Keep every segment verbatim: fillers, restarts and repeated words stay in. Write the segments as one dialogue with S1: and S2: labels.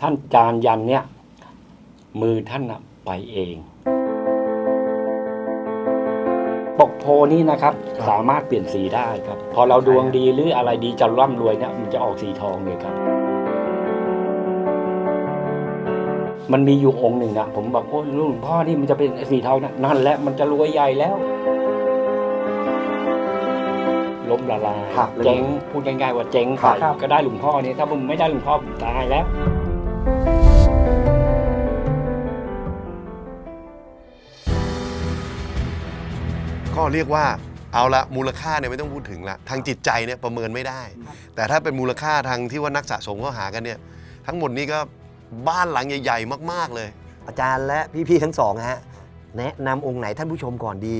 S1: ท่านจานยันเนี่ยมือท่านไปเองปกโพนี้นะครับสามารถเปลี่ยนสีได้ครับพอเราดวงดีหรืออะไรดีจะร่ำรวยเนี่ยมันจะออกสีทองเลยครับมันมีอยู่องค์หนึ่งนะผมบอกโอ้หลวงพ่อนี่มันจะเป็นสีทองนะนั่นแหละมันจะรวยใหญ่แล้วล้มละลายเจ๊งพูดง่ายๆว่าเจ๊งไปก็ได้หลวงพ่อนี่ถ้าผมไม่ได้หลวงพ่อผมตายแล้ว
S2: ก็เรียกว่าเอาละมูลค่าเนี่ยไม่ต้องพูดถึงละทางจิตใจเนี่ยประเมินไม่ได้แต่ถ้าเป็นมูลค่าทางที่ว่านักสะสมเขาหากันเนี่ยทั้งหมดนี้ก็บ้านหลังใหญ่ๆมากๆเลย
S3: อาจารย์และพี่ๆทั้งสองฮะแนะนำองค์ไหนท่านผู้ชมก่อนดี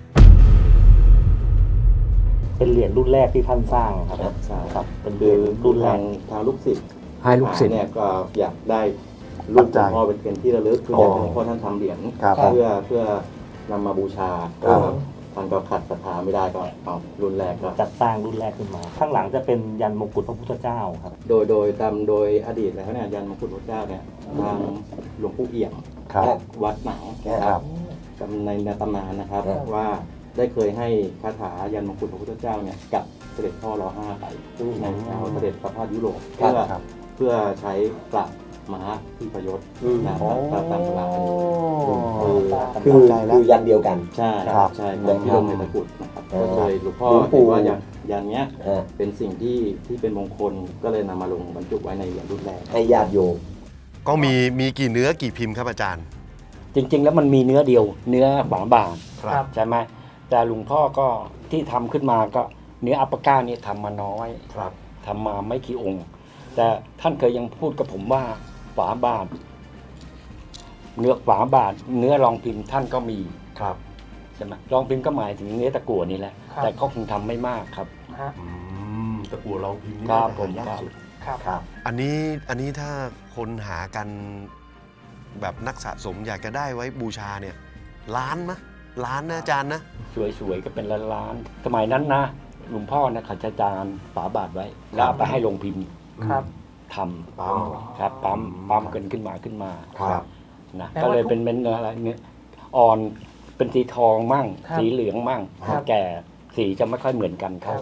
S4: เป็นเหรียญรุ่นแรกที่ท่านสร้างครับใช่ครับเป็นเหรียญรุ่นแรก
S5: ทางลูกศิษย์
S3: ให้ลูกศิษย์
S5: เนี่ยก็อยากได้รุ่นหลวงพ่อเป็นเป็นที่ระลึกคืออยากให้หลวงพ่อท่านทำเหรียญเพื่อเพื่อนำมาบูชาท่านก็ขัดศรัทธาไม่ได้ก็เอารุ่นแรกก็
S4: จัดสร้างรุ่นแรกขึ้นมาข้างหลังจะเป็นยันมงกุฎพระพุทธเจ้าครับ
S5: โดยโดยตามโดยอดีตแล้วเนี่ยยันมงกุฎพระเจ้าเนี่ยทางหลวงปู่เอี่ยมวัดหนังนะครับในในตำนานนะครับว่าได้เคยให้คาถายันมงกุฎพระพุทธเจ้าเนี่ยกับเสด็จพ่อรอห้าไปในเอาเสด็จประพาสยุโรปเพื่อเพื่อใช้ปราบม้าที่ประยศนะครับตามตำนาน
S3: คือคือยันเดียวกัน
S5: ใช่ใช่แบบที่ลงในตะกรุดนะครับก็เลยหลวงพ่อเห็นว่ายันยันเนี้ยเป็นสิ่งที่ที่เป็นมงคลก็เลยนำมาลงบรรจุไว้ในเหรียญรุ่นแรก
S3: ให้ญาติโยม
S2: ก็มีมีกี่เนื้อกี่พิมพ์ครับอาจารย์
S1: จริงๆแล้วมันมีเนื้อเดียวเนื้อฝาบาทใช่ไหมแต่หลวงพ่อก็ที่ทำขึ้นมาก็เนื้ออัปปะก้านี่ทำมาน้อยทำมาไม่กี่องค์แต่ท่านเคยยังพูดกับผมว่าฝาบาทเนื้อฝาบาทเนื้อรองพิมพ์ท่านก็มี
S2: ครับ
S1: ใช่ไหมรองพิมพ์ก็หมายถึงเนื้อตะกั่วนี่แหละแต่เขาคงทำไม่มากครับ
S2: ตะกั่วรองพิมพ์นี่
S1: ครับผม
S2: ยากสุด
S3: ครับ
S2: อันนี้อันนี้ถ้าคนหากันแบบนักสะสมอยากจะได้ไว้บูชาเนี่ยล้านมะล้านนะอาจารย์นะ
S1: สวยๆก็เป็นล้านๆสมัยนั้นนะหลวงพ่อนะเขาจะจานฝาบาทไว้แล้วไปให้ลงพิมพ์
S4: ครับ
S1: ทำปั๊มครับปั๊มปั๊มกันขึ้นมาขึ้นมาครับนะก็เลยเป็นเป็นอะไรเงี้ยอ่อนเป็นสีทองมั่งสีเหลืองมั่งแก่สีจะไม่ค่อยเหมือนกันครับ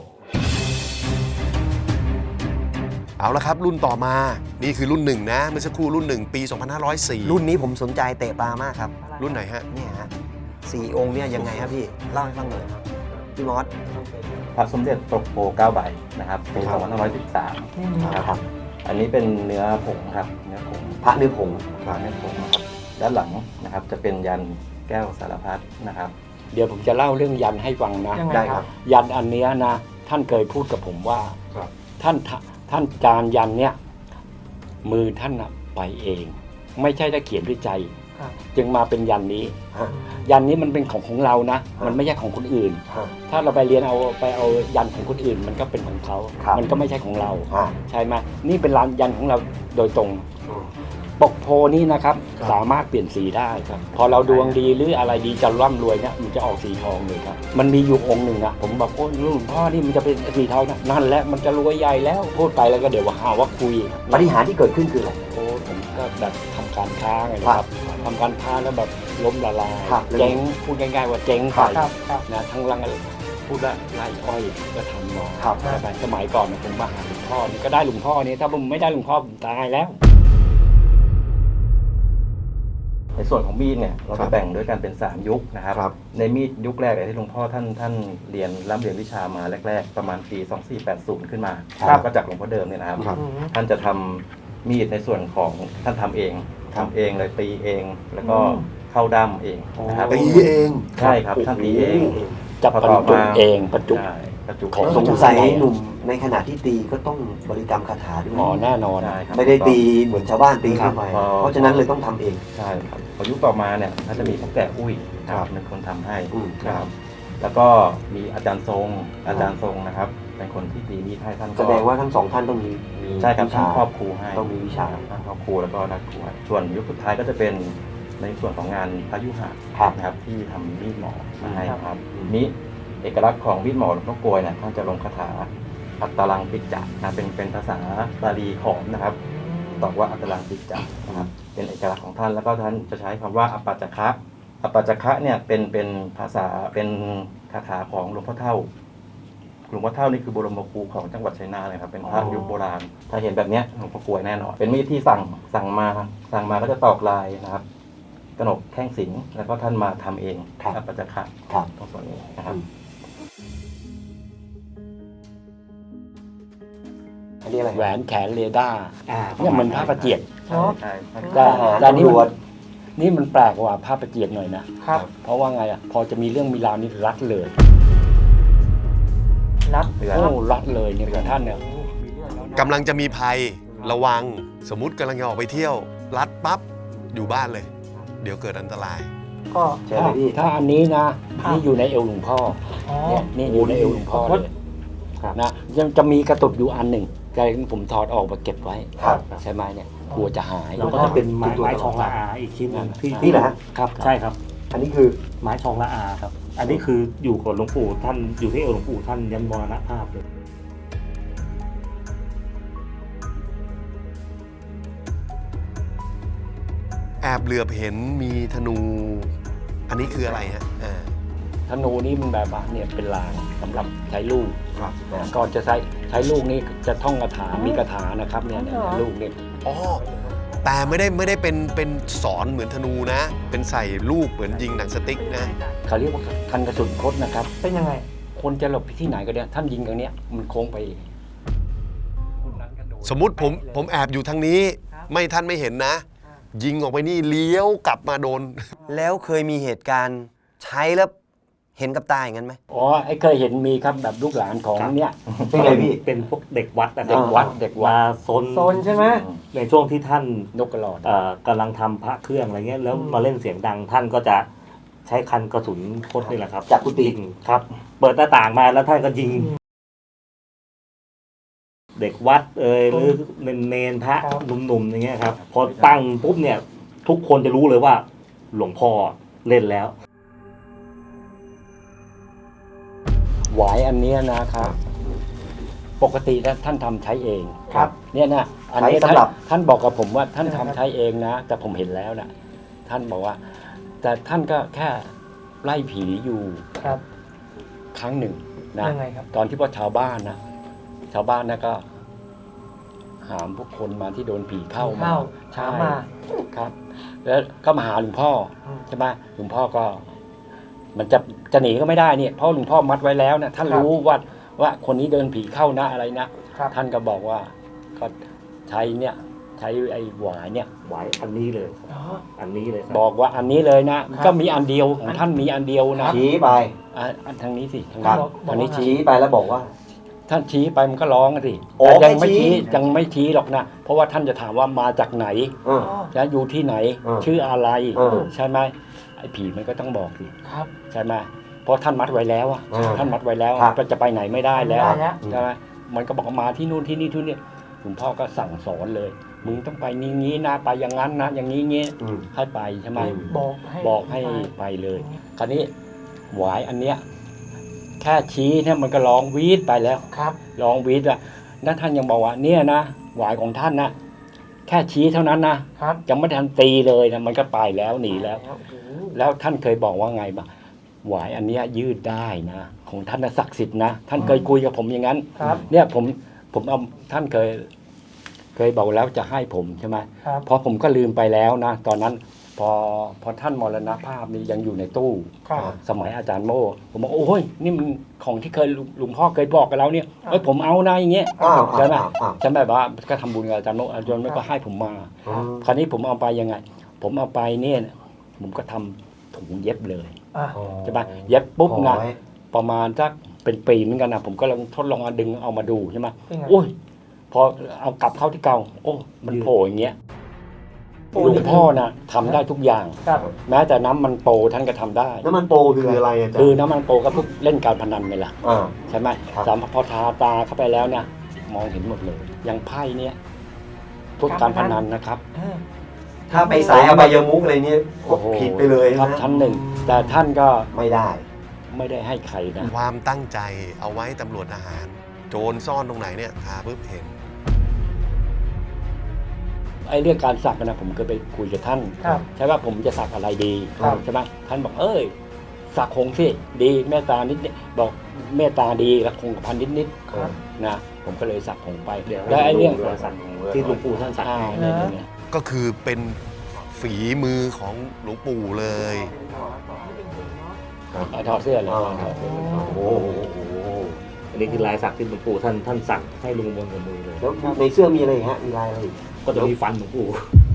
S2: เอาละครับรุ่นต่อมานี่คือรุ่นหนึ่งนะเมื่อสักครู่รุ่นหนึ่งปีสองพันห้าร้อยสี่
S3: รุ่นนี้ผมสนใจเตะตามากครับ
S2: รุ่นไหนฮะ
S3: เนี่ยฮะสี่องค์เนี่ยยังไงครับพี่เล่าให้ฟังหน่อยพี่มอส
S5: พระสมเด็จปกโพเก้าใบนะครับปีสองพันห้าร้อยสิบสามนะครับอันนี้เป็นเนื้อผงครับเนื้อผง
S3: พระเนื้อผง
S5: พระเนื้อผงครับด้านหลังนะครับจะเป็นยันแก้วสารพัดนะครับ
S1: เดี๋ยวผมจะเล่าเรื่องยันให้ฟังนะ
S3: ได้ครับ
S1: ยันอันนี้นะท่านเคยพูดกับผมว่าท่านท่านจานยันเนี่ยมือท่านไปเองไม่ใช่ได้เขียนด้วยใจจึงมาเป็นยันนี้ยันนี้มันเป็นของของเรานะมันไม่ใช่ของคนอื่นถ้าเราไปเรียนเอาไปเอายันของคนอื่นมันก็เป็นของเขามันก็ไม่ใช่ของเราใช่ไหมนี่เป็นยันของเราโดยตรงปกโพนี้นะครับสามารถเปลี่ยนสีได้ครับพอเราดวงดีหรืออะไรดีจะร่ำรวยเนี่ยมันจะออกสีทองเลยครับมันมีอยู่องค์หนึ่งนะผมบอกโอ้หลวงพ่อนี่มันจะเป็นสีทองนะนั่นแหละมันจะรวยใหญ่แล้วพูดไปแล้วก็เดี๋ยวว่าหาว่าคุย
S3: ปฏิหารย์ที่เกิดขึ้นคืออะไร
S1: โอ้ผมก็แบบทำการค้าไงครับทำการค้าแล้วแบบล้มละลายเจ๊งพูดง่ายๆว่าเจ๊งไปนะทั้งรังพูดว่าไร่อ้อยก็ทำมาแต่สมัยก่อนผมมาหาหลวงพ่อนี่ก็ได้หลวงพ่อนี่ถ้าผมไม่ได้หลวงพ่อผมตายแล้ว
S5: ในส่วนของมีดเนี่ยเราจะแบ่งด้วยกันเป็นสามยุคนะครับในมีดยุคแรกที่หลวงพ่อท่านท่านเรียนร่ำเรียนวิชามาแรกๆประมาณปีสองพันสี่ร้อยแปดสิบขึ้นมาก็จากหลวงพ่อเดิมเนี่ยนะครับท่านจะทำมีดในส่วนของท่านทำเองทำเองเลยตีเองแล้วก็เข้าด้ามเองนะครับ
S2: ตีเอง
S5: ใช่ครับท่านตีเอง
S1: จะประจุเองประจุ
S3: ของสงสัยหนุ่มในขณะที่ตีก็ต้องบริกรรมคาถาด้วย
S1: อ๋อแน่นอน
S3: ไม่ได้ตีเหมือนชาวบ้านตีขึ้นไปเพราะฉะนั้นเลยต้องทำเอง
S5: ใช่ครับพอยุคต่อมาเนี่ยท่านจะมีพ่อแก่อุ้ยเป็นคนทำให้ครับแล้วก็มีอาจารย์ทรงอาจารย์ทรงนะครับเป็นคนที่ตีมีดให้ท่าน
S3: แสดงว่าทั้งสองท่านต้องมี
S5: ใช่ครับท่านครอบครูให้
S3: ต้องมีวิชา
S5: ท่านครอบครูแล้วก็นักครูส่วนยุคสุดท้ายก็จะเป็นในส่วนของงานพยุหะนะครับที่ทำมีดหมอมาให้ครับนี้เอกลักษณ์ของมีดหมอหลวงพ่อกลวยเนี่ยท่านจะลงคาถาอัตตลังปิจจะนะเป็นเป็นภาษาบาลีขอมนะครับตอบว่าอัตลังจิตจักรนะครับเป็นเอกลักษณ์ของท่านแล้วก็ท่านจะใช้คำว่าอปัจจคะอปัจจคะเนี่ยเป็นเป็นภาษาเป็นคาถาของหลวงพ่อเท่าหลวงพ่อเท่านี่คือบรมครูของจังหวัดชัยนาทเลยครับเป็นพระยุคโบราณถ้าเห็นแบบเนี้ยหลวงพ่อกลวยแน่นอนเป็นมีดที่สั่งสั่งมาสั่งมาก็จะตอกลายนะครับกนกแท่งสิงห์แล้วก็ท่านมาทำเองอปัจจคะ
S3: ครับ
S5: ตรงส่วนนี้นะครับ
S3: อันนี้อะไร
S1: แหวนแขนเรดาร์
S4: อ่า
S1: เนี่ยเหมือนผ้าประเจียด
S5: ใช่ใช่ใช่
S1: แต่
S3: ทหาร
S1: แต่นี่
S3: ตำรว
S1: มั
S3: จ
S1: นนี่มันแปลกกว่าผ้าประเจียดหน่อยนะครับ เพราะว่าไงอ่ะพอจะมีเรื่องมีราวนี่รัดเลย
S6: รัด
S5: เตือน
S1: โอ้รัดเลยเนี่ยกับท่านเนี่ย
S2: กำลังจะมีภัยระวังสมมติกำลังจะออกไปเที่ยวรัดปั๊บอยู่บ้านเลย เดี๋ยวเกิดอันตราย
S6: ก็
S3: เชิญเลยพี่
S1: ถ้าอันนี้นะ
S6: ครับ
S1: นี่อยู่ในเอวหลวงพ่อ
S6: อ๋อ
S1: เนี่ยนี่อยู่ในเอวหลวงพ่อเลย
S4: ครับ
S1: นะยังจะมีกระตุกอยู่อันหนึ่งแต่ผมถอดออกมาเก็บไว้
S3: ครับ
S1: ใช่ไหมเนี่ยกลัวจะหาย
S4: แล้วก็จะเป็นไม้ไม้ชองละอาอีกชิ้นหนึงที่
S3: นี่เหรอฮะ
S4: ครับใช่ครับ
S3: อันนี้คือ
S4: ไม้ชองละอาครับ อันนี้คืออยู่กับหลวงปู่ท่านอยู่ที่เอวหลวงปู่ท่านยันมรณภาพเลย
S2: แอบเหลือบเห็นมีธนู อันนี้คืออะไรฮะอ่า
S1: ธนูนี่มันแบบว่าเนี่ยเป็นลางสำหรับใช้ลูก
S2: ครับ
S1: ก่อนจะใช้ใช้ลูกนี่จะท่องคาถามีคาถานะครับเนี่ยเนี่ยลูกนี่
S2: อ๋อแต่ไม่ได้ไม่ได้เป็นเป็นสอนเหมือนธนูนะ เป็นใส่ลูกเหมือนยิงหนังสติ๊กนะ
S1: เขาเรียกว่าคันกระสุนคดนะครับ
S6: เป็นยังไง
S1: คนจะหลบไปที่ไหนก็ได้ท่านยิงตรงเนี้ยมันโค้งไป
S2: สมมุติผมผมแอบอยู่ทางนี้ ไม่ท่านไม่เห็นนะ ยิงออกไปนี่เลี้ยวกลับมาโดน
S3: แล้วเคยมีเหตุการณ์ใช้แล้วเห็นกับตาอย่างนั้นไหม
S1: อ๋อไอ้เคยเห็นมีครับแบบลูกหลานของเนี่ย
S3: เป็นไงพี่
S4: เป็นพวกเด็กวัดนะค
S1: เด็
S4: รับ
S1: กวัดเด็กวัด
S4: มาซน
S6: โซนใช่ไหม
S4: ในช่วงที่ท่าน
S1: นกกระหลอด
S4: เอ่อกำลังทำพระเครื่องอะไรเงี้ยแล้ว
S6: อืม
S4: มาเล่นเสียงดังท่านก็จะใช้คันกระสุนคดนี่แหละครับ
S3: จากกุฏิ
S4: ยิงครับ เปิดหน้าต่างมาแล้วท่านก็ยิง เด็กวัดเอ่ยหรือเนนเนนพระหนุ่มๆอย่างเงี้ยครับพอตั้งปุ๊บเนี่ยทุกคนจะรู้เลยว่า หลวงพ่อเล่นแล้ว
S1: หวายอันเนี้ยนะครับ ปกติแล้วท่านทำใช้เอง
S3: ครับ
S1: เนี่ยนะอันนี้
S3: ใช้สำหรับ
S1: ท่านท่านบอกกับผมว่าท่านทำใช้เองนะ แต่ผมเห็นแล้วนะท่านบอกว่า แต่ท่านก็แค่ไล่ผีอยู่
S6: ครับ
S1: ครั้งหนึ่งนะ
S6: ยังไงครับ
S1: ตอนที่ว่าชาวบ้านนะชาวบ้านนะก็ หามพวกคนมาที่โดนผีเข้ามา
S6: เข้า
S1: ใช่
S6: หามา
S1: ครับ แล้วก็มาหาหลวงพ่ออ
S6: ม
S1: ใช่ไหมหลวงพ่อก็ มันจะจะหนีก็ไม่ได้เนี่ยเพราะหลวงพ่อมัดไว้แล้วนะท่านรู้ว่าว่าคนนี้เดินผีเข้านะอะไรนะครับ ท่านก็บอกว่าก็ใช้เนี่ย ใช้ไอ้หวายเนี่ย
S4: ไว้อันนี้เลย
S6: อ๋อ
S4: อันนี้เลยครับ
S1: บอกว่าอันนี้เลยนะ
S6: ครับ
S1: ก็มีอันเดียวของท่านมีอันเดียวนะ
S3: ชี้ไป
S1: อ่ะอันทางนี้สิทาง
S3: ครั
S1: นี้
S3: บ
S1: ทางนี้ชี้
S3: ชี้ไปแล้วบอกว่า
S1: ท่านชี้ไปมันก็ร้องสิ
S3: โอ้
S1: แต่ยังไม่
S3: ไม่ชี้
S1: ชี้ยังไม่ชี้หรอกนะเพราะว่าท่านจะถามว่ามาจากไหน
S3: เออ
S1: และอยู่ที่ไหน
S3: เออ
S1: ชื่ออะไร
S3: เออ
S1: ใช่ไหมไอ้ผีมันก็ต้องบอกสิ
S6: ครับ
S1: ใช่ไหมเพราะท่านมัดไว้แล้วอะ
S3: เออ
S1: ท่านมัดไว้แล้ว
S3: ครับ
S1: ก็จะไปไหนไม่ได้แล้ว
S6: ไม่ได้แล้ว
S1: ใช่ไหมมันก็บอกว่ามาที่นู่นที่นี่ที่นี่หลวงพ่อก็สั่งสอนเลย มึงต้องไปนี้งี้นะไปอย่างนั้นนะอย่างนี้งี้
S3: อืม
S1: ให้ไปใช่ไหม
S6: บอกให้
S1: บอกให้ไปเลย คราวนี้หวายอันเนี้ยแค่ชี้เนี่ยมันก็ร้องวีดไปแล้ว
S6: ครับ
S1: ร้องวีดอะนั่นท่านยังบอกว่าเนี่ยนะหวายของท่านนะแค่ชี้เท่านั้นนะครับ ยังไม่ทันตีเลยนะมันก็ไปแล้วหนีแล้ว
S6: โอ้โห
S1: แล้วท่านเคยบอกว่าไงบ้างหวายอันเนี้ยยืดได้นะของท่านน่ะศักดิ์สิทธิ์นะท่านเคยคุยกับผมอย่างนั้น
S6: ครับ
S1: เนี่ยผมผมเอาท่านเคย เคยบอกแล้วจะให้ผมใช่ไหม
S6: ครับ
S1: เพราะผมก็ลืมไปแล้วนะตอนนั้นพอพอท่านมรณภาพนี่ยังอยู่ในตู้
S6: ครับ
S1: สมัยอาจารย์โม่ผมบอกโอ้ยนี่มันของที่เคยลุงลุงพ่อเคยบอกกับเราเนี่ยเอ้ยผมเอานะอย่างเงี้ย
S3: อ้าว
S1: ใช่ไหม
S3: อ้าวอ้าว
S1: ใช่ไหมว่าก็ทำบุญกับอาจารย์โม่อาจารย์โม่ก็ให้ผมมา
S3: อืม
S1: คราวนี้ผมเอาไปยังไง ผมเอาไปเนี่ยผมก็ทำถุงเย็บเลย
S6: อ่ะ
S1: ใช่ไหมเย็บปุ๊บ
S3: ห่อ
S1: นะ
S3: ไว้
S1: ประมาณสักเป็นปีเหมือนกันนะผมก็ลองทดลองเอาดึงเอามาดูใช่ไหม
S6: เป็นไง
S1: โอ้ยพอเอากลับเข้าที่เก่าโอ้มันโผล่อย่างเงี้ย
S6: โอ้
S1: หลวงพ่อนะทำได้ทุกอย่าง
S6: ครับ
S1: แม้แต่น้ำมันโปท่านก็ทำได้
S3: น้ำมันโปคืออะไรอาจาร
S1: คือ
S3: ย์
S1: น้ำมันโปก็พวกเล่นการพนันไงล่ะ
S3: อ่า
S1: ใช่ไหม
S3: ครับ
S1: สามพอทาตาเข้าไปแล้วเนี่ยมองเห็นหมดเลยอย่างไพ่เนี่ยพวกการพนันนะครับ
S6: เออ
S3: ถ้าไปสายอบายมุกอะไรเนี่ย
S1: โอ้โห
S3: ผิดไปเลย
S1: ครับ
S3: นะ
S1: ชั้นหนึ่งแต่ท่านก็
S3: ไม่ได้
S1: ไม่ได้ให้ใครนะ
S2: ความตั้งใจเอาไว้ตำรวจอาหาร โจรซ่อนตรงไหนเนี่ยหาปุ๊บเห็น
S1: ไอ้เรื่องการสักนะผมเคยไปคุยกับท่าน
S6: ครับ
S1: ใช่ว่าผมจะสักอะไรดี
S6: ครับ
S1: ใช่ไหมท่านบอกเอ้ยสักคงสิดีเมตตานิดนิดบอกเมตตาดีและคงกระพันนิดนิด
S6: ครับ
S1: นะผมก็เลยสักคงไป
S4: เดี๋ยว
S1: แล้วไอ้เรื่อง
S4: รอยสักที่หลวงปู่ท่านสัก
S1: อ่า
S4: ให้
S1: เนี่ยเนี่ยเนี่ย
S2: ก็คือเป็นฝีมือของหลวงปู่เลย
S1: เอาถอดเสื้อเลยถอดเสื้อเลย
S4: โอ้โหอันนี้คือลายสักที่หลวงปู่ท่านท่านสักให้ลุงบนกับมือเลย
S3: แล้วในเสื้อมีอะไรอีกฮะมีลายอะไรอีก
S4: ก็จะมีฟันหลวงปู่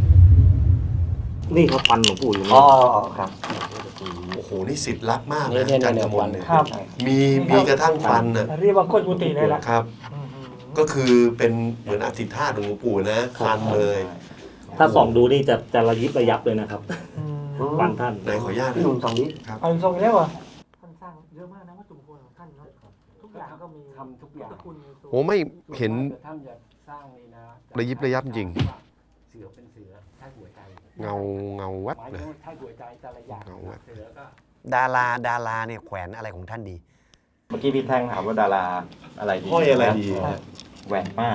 S4: นี่ครับฟันหลวงปู่อยู่
S3: อ๋
S4: นี่
S3: อครับ
S2: โอ้โห นี่สิทธิ์รักมาก
S1: เนี่ย
S2: นะ
S1: เนี่ย
S2: อาจารย์
S1: เนี่
S2: ก
S1: ย
S2: ม
S1: ฟั
S2: ล
S1: น
S2: เนี่ย
S6: ครับ
S2: มีมีกระทั่งฟันน่ะ
S6: เรียกว่าโคตรกุฏิเลยล่ะ
S2: ครับ
S6: อืม
S2: ก็คือเป็นเหมือนอธิษฐานของหลวงปู่นะฟันเลย
S4: ถ้าส่องดูนี่จะจะระยิบระยับเลยนะครับ
S6: อืม
S4: ฟันท่าน
S2: ไหนขออนุญาต
S3: พี่หนุ่มสองนี้
S6: เอาอีกทรงอีกแล้วเหรอท่านสร้างเยอะมากนะวัตถุมงคลของท่านเนาะทุกอย่างก็มี
S1: ทำทุกอย่าง
S6: พุทธคุณในตัว
S2: โอ้ไม่เห็น
S1: ท่านจะสร้างนี่นะ
S2: ระยิบระยับจริง
S1: เสือเป็นเสือถ้าหัวใจ
S2: เงาเงาวัด
S1: ไม้
S2: เลย
S1: ถ้าหัวใจแต่ละอย่าง
S2: เอาวะ
S1: เสือก็
S3: ดาราดาราเนี่ยแขวนอะไรของท่านดี
S5: เมื่อกี้พี่แท่งถามว่าดาราอะไรดี
S2: ห้อยอะไรดี
S5: นแหวนม่าน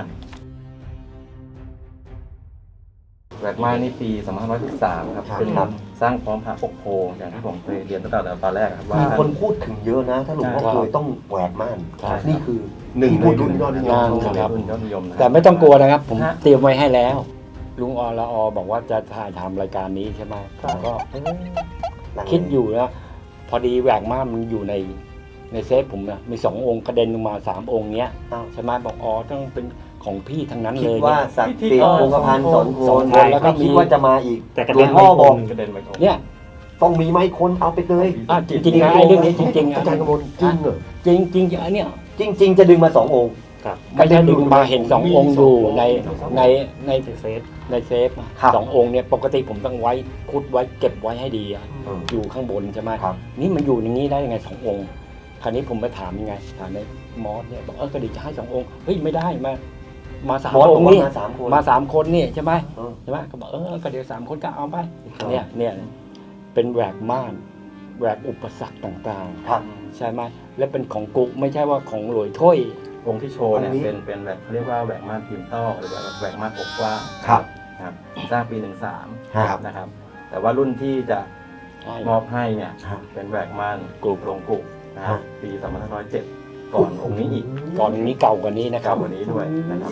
S5: แหวนม่านนี่ปีสองพันห้าร้อยสิบสามครับ
S3: ครับ
S5: เป็น
S3: ครับ
S5: สร้างพร้อมพระปกโพอย่างที่ผมเคยเรียนตั้งแต่ตอนแรกครับว่า
S3: มีคนพูดถึงเยอะนะ ถ้าหลวงพ่อ
S1: ใช่
S3: เคยต้องแหวนม่าน
S1: ใช่
S3: นี่คือ
S2: หนึ่งใน
S3: พูด
S2: รุ่นยอดนิยม
S1: งาน
S2: ของ
S1: ครับ
S5: รุ่นยอดนิยมนะค
S1: แต่
S5: รับ
S1: ไม่ต้องกลัวนะครับ ผมเตรียมไว้ให้แล้ว ลุงอละออบอกว่าจะถ่ายทำรายการนี้ใช่ไหมผมก็คิดอยู่นะพอดีแหวกม่านมันอยู่ในในเซฟผมนะมีสององค์กระเด็นลงมาสามองค์เนี้ย
S3: อ้าว
S1: ใช่ไหมบอกอ๋อต้องเป็นของพี่ทั้งนั้น
S3: คิ
S1: เล
S3: ด
S1: ย
S3: ว่า
S1: เนี่ย
S3: ศักดิ์สิทธิ์องค์พันธ์สอง
S1: สอง
S3: ค
S1: คน นแล้วก็
S3: ไม่คิด
S1: มี
S3: ว่าจะมาอีก
S4: แต่กระ
S3: หล
S4: เด็
S3: วน ง
S4: ไม่
S3: พ่อ
S4: ค
S3: บอก
S4: ม
S5: กระเด็นไปก่อน
S1: เนี่ย
S3: ต้องมีไม้คนเอาไปเลย
S1: อ่ะจริงๆนะไอ้เรื่องนี้จริงๆนะ
S3: อาจารย์กมลจริงเหรอ
S1: จริงจริงๆอันเนี้ย
S3: จริง ๆ จะดึงมาสององค์
S4: ครับ
S1: ไม่ได้ดึงมาเห็นสององค์อยู่ในในใน
S4: เซฟ
S1: ในเซฟอะ
S3: ครับ
S1: สององค์เนี่ยปกติผมต้องไว้คุดไว้เก็บไว้ให้ดีอะ
S3: อืม
S1: อยู่ข้างบนใช่ไหม
S3: ครับ
S1: นี่มันอยู่อย่างนี้ได้ยังไงสององค์ คราวนี้ผมไปถามยังไงถามในมอสเนี่ยบอกเออก็ดีจะให้สององค์เฮ้ยไม่ได้มามาสาม
S3: บอส
S1: อบ
S3: อง ก
S1: ค์
S3: ว่า
S1: นี่
S3: มาสามคน
S1: มาสามคนนี่ใช่ไหม
S3: เออ
S1: ใช่ไหมก็บอกเออก็เดี๋ยวสามคนก็เอาไป
S3: ครับ
S1: เนี่ยเนี่ยเป็นแหวกม่านแหวกอุปสรรคต่าง
S3: ครับ
S1: ๆ ใช่ไหมและเป็นของกุ๊กไม่ใช่ว่าของหลวยถ้วย
S5: องค์ที่โชว์เนี่ย
S3: อันนี้
S5: เป็นเป็นแบบเรียกว่าแหวนม่านพิมพ์ต้อหรือว่าแหวนม่านอกกว้าง
S3: ครับ
S5: ครับสร้างปีหนึ่งสาม
S3: ครับ
S5: นะครับ แต่ว่ารุ่นที่จะ
S1: ใช่
S5: มอบให้เนี่ย
S3: ครับ
S5: เป็นแหวนม่านกรุบลงกรุบนะค
S3: ครั
S5: รับบ ปีสองพันห้าร้อยเจ็ดก่อนองค์นี้อีก
S1: ก่อนนี้เก่ากว่านี้นะค
S5: เก่า
S1: รับ
S5: กว่านี้ด้วยนะครับ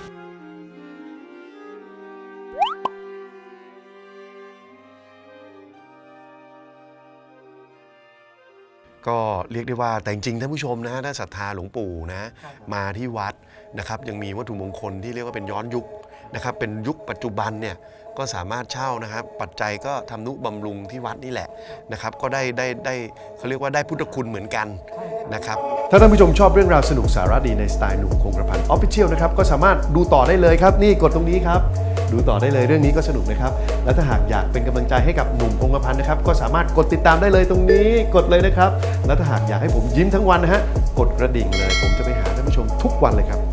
S2: ก็เรียกได้ว่าแต่จริงๆท่านผู้ชมนะถ้าศรัทธาหลวงปู่นะ
S6: ครับ
S2: มาที่วัดนะครับยังมีวัตถุมงคลที่เรียกว่าเป็นย้อนยุคนะครับเป็นยุคปัจจุบันเนี่ยก็สามารถเช่านะครับปัจจัยก็ทำนุบำรุงที่วัดนี่แหละนะครับก็ได้ได้ได้เขาเรียกว่าได้พุทธคุณเหมือนกันนะครับถ้าท่านผู้ชมชอบเรื่องราวสนุกสาระดีในสไตล์หนุ่มคงกระพันออฟฟิเชียลนะครับก็สามารถดูต่อได้เลยครับนี่กดตรงนี้ครับดูต่อได้เลยเรื่องนี้ก็สนุกนะครับและถ้าหากอยากเป็นกำลังใจให้กับหนุ่มคงกระพันนะครับก็สามารถกดติดตามได้เลยตรงนี้กดเลยนะครับและถ้าหากอยากให้ผมยิ้มทั้งวันนะฮะกดกระดิ่งเลยผมจะไปหาท่านผู้ชมทุกวันเลยครับ